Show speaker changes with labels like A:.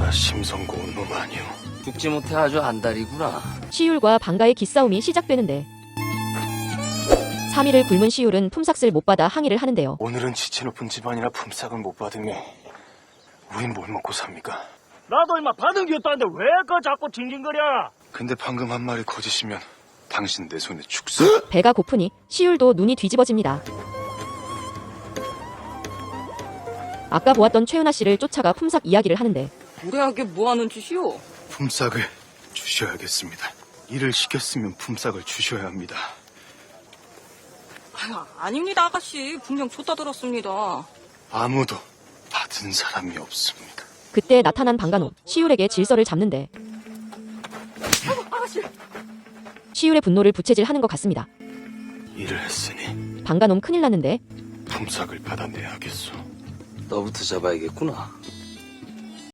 A: 내가 심성 고운 놈 아니오.
B: 죽지 못해 아주 안달이구나.
C: 시율과 방가의 기싸움이 시작되는데 3일을 굶은 시율은 품삯을 못 받아 항의를 하는데요.
A: 오늘은 지체 높은 집안이라 품삯을 못 받으니 우린 뭘 먹고 삽니까?
D: 나도 임마 받은 게 없다는데 왜 그 자꾸 징징거려?
A: 근데 방금 한 말이 거짓이면 당신 내 손에 죽소.
C: 배가 고프니 시율도 눈이 뒤집어집니다. 아까 보았던 최은하 씨를 쫓아가 품삯 이야기를 하는데
E: 무례하게 뭐하는 짓이오?
A: 품삯을 주셔야겠습니다. 일을 시켰으면 품삯을 주셔야 합니다.
E: 아유, 아닙니다 아가씨. 분명 줬다 들었습니다.
A: 아무도 받은 사람이 없습니다.
C: 그때 나타난 방가놈 시율에게 질서를 잡는데
E: 아가씨.
C: 시율의 분노를 부채질하는 것 같습니다.
A: 일을 했으니
C: 방가놈 큰일 났는데
A: 품삯을 받아내야겠소.
B: 너부터 잡아야겠구나.